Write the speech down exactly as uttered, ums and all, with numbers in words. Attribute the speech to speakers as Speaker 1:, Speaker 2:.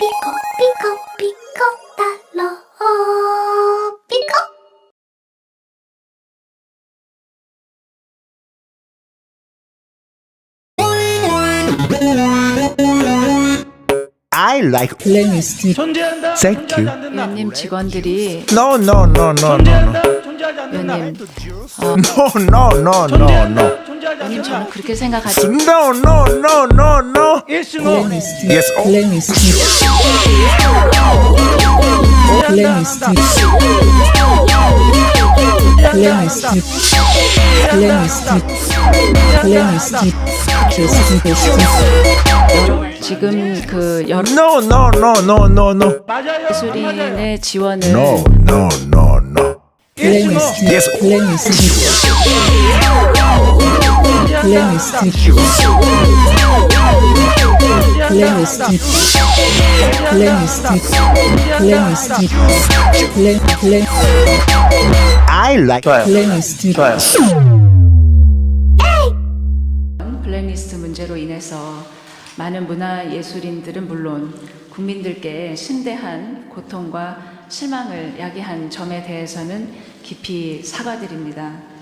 Speaker 1: 피코 피코 피코 달러 피코.
Speaker 2: I like
Speaker 3: 플레이리스트
Speaker 4: 존재한다.
Speaker 2: Thank
Speaker 4: 존재하지
Speaker 2: you.
Speaker 4: 않는다.
Speaker 5: 위원님 직원들이
Speaker 2: no no no no no no
Speaker 4: 존재한다. 존재하지 않는다.
Speaker 5: 위원님
Speaker 2: no no no no
Speaker 4: 존재한다.
Speaker 2: no
Speaker 4: 존재하지
Speaker 5: 위원님 저는
Speaker 4: 않는다.
Speaker 5: 그렇게 생각하지
Speaker 2: no no no no no
Speaker 4: Yes, no.
Speaker 3: 플레이리스트
Speaker 2: Yes, oh.
Speaker 3: 플레이리스트 플레이리스트 플레이리스트 플레이리스트 플레이리스트 베스트 베스트
Speaker 5: 지금 그 여러
Speaker 2: no no no no no no
Speaker 4: 맞아요.
Speaker 5: 예술인의 지원을
Speaker 2: no no no no
Speaker 3: 플레이리스트
Speaker 2: Yes.
Speaker 3: 플레이리스트 플레이리스트 플레이리스트 플레이리스트 플레이리스트 플레이 플레이
Speaker 2: I like
Speaker 3: 플레이리스트
Speaker 5: 블랙리스트 문제로 인해서 많은 문화 예술인들은 물론 국민들께 심대한 고통과 실망을 야기한 점에 대해서는 깊이 사과드립니다.